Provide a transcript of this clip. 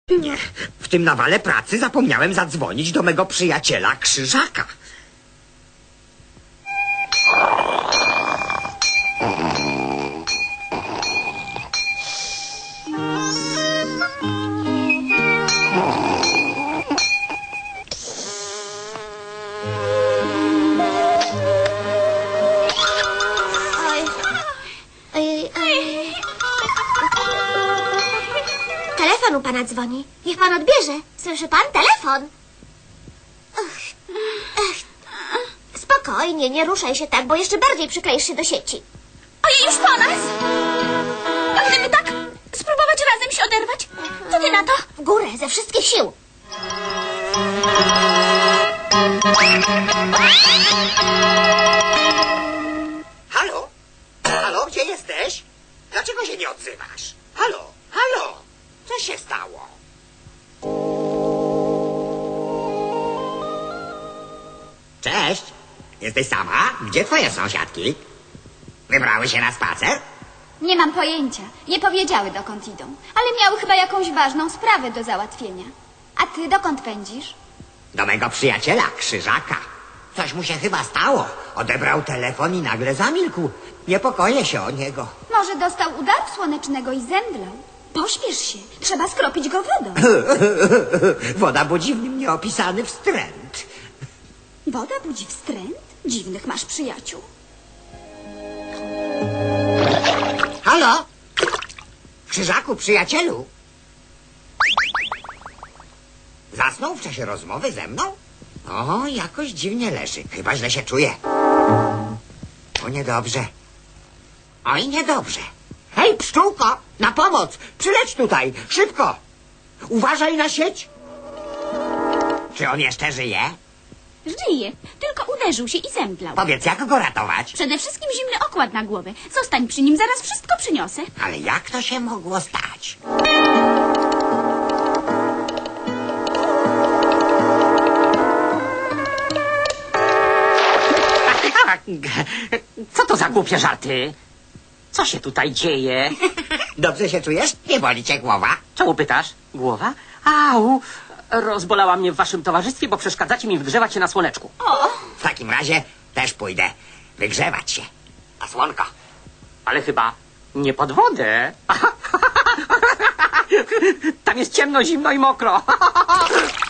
Nie, w tym nawale pracy zapomniałem zadzwonić do mego przyjaciela Krzyżaka. Telefon u pana dzwoni. Niech pan odbierze. Słyszy pan? Telefon. Spokojnie, nie ruszaj się tak, bo jeszcze bardziej przykleisz się do sieci. Ojej, już po nas! A gdyby tak spróbować razem się oderwać? Co ty na to? W górę, ze wszystkich sił. Halo? Halo, gdzie jesteś? Dlaczego się nie odzywasz? Halo? Halo? Co się stało? Cześć. Jesteś sama? Gdzie twoje sąsiadki? Wybrały się na spacer? Nie mam pojęcia. Nie powiedziały, dokąd idą. Ale miały chyba jakąś ważną sprawę do załatwienia. A ty dokąd pędzisz? Do mego przyjaciela, Krzyżaka. Coś mu się chyba stało. Odebrał telefon i nagle zamilkł. Niepokoję się o niego. Może dostał udaru słonecznego i zemdlał. Pośpiesz się. Trzeba skropić go wodą. Woda budzi w nim nieopisany wstręt. Woda budzi wstręt? Dziwnych masz przyjaciół. Halo? Krzyżaku, przyjacielu? Zasnął w czasie rozmowy ze mną? O, jakoś dziwnie leży. Chyba źle się czuje. O, niedobrze. Oj, niedobrze. Hej, pszczółko, na pomoc! Przyleć tutaj, szybko! Uważaj na sieć! Czy on jeszcze żyje? Żyje, tylko uderzył się i zemdlał. Powiedz, jak go ratować? Przede wszystkim zimny okład na głowę. Zostań przy nim, zaraz wszystko przyniosę. Ale jak to się mogło stać? Co to za głupie żarty? Co się tutaj dzieje? Dobrze się czujesz? Nie boli cię głowa? Czemu pytasz? Głowa? Au! Rozbolała mnie w waszym towarzystwie, bo przeszkadzacie mi wgrzewać się na słoneczku. W takim razie też pójdę wygrzewać się. Na słonko. Ale chyba nie pod wodę. Tam jest ciemno, zimno i mokro.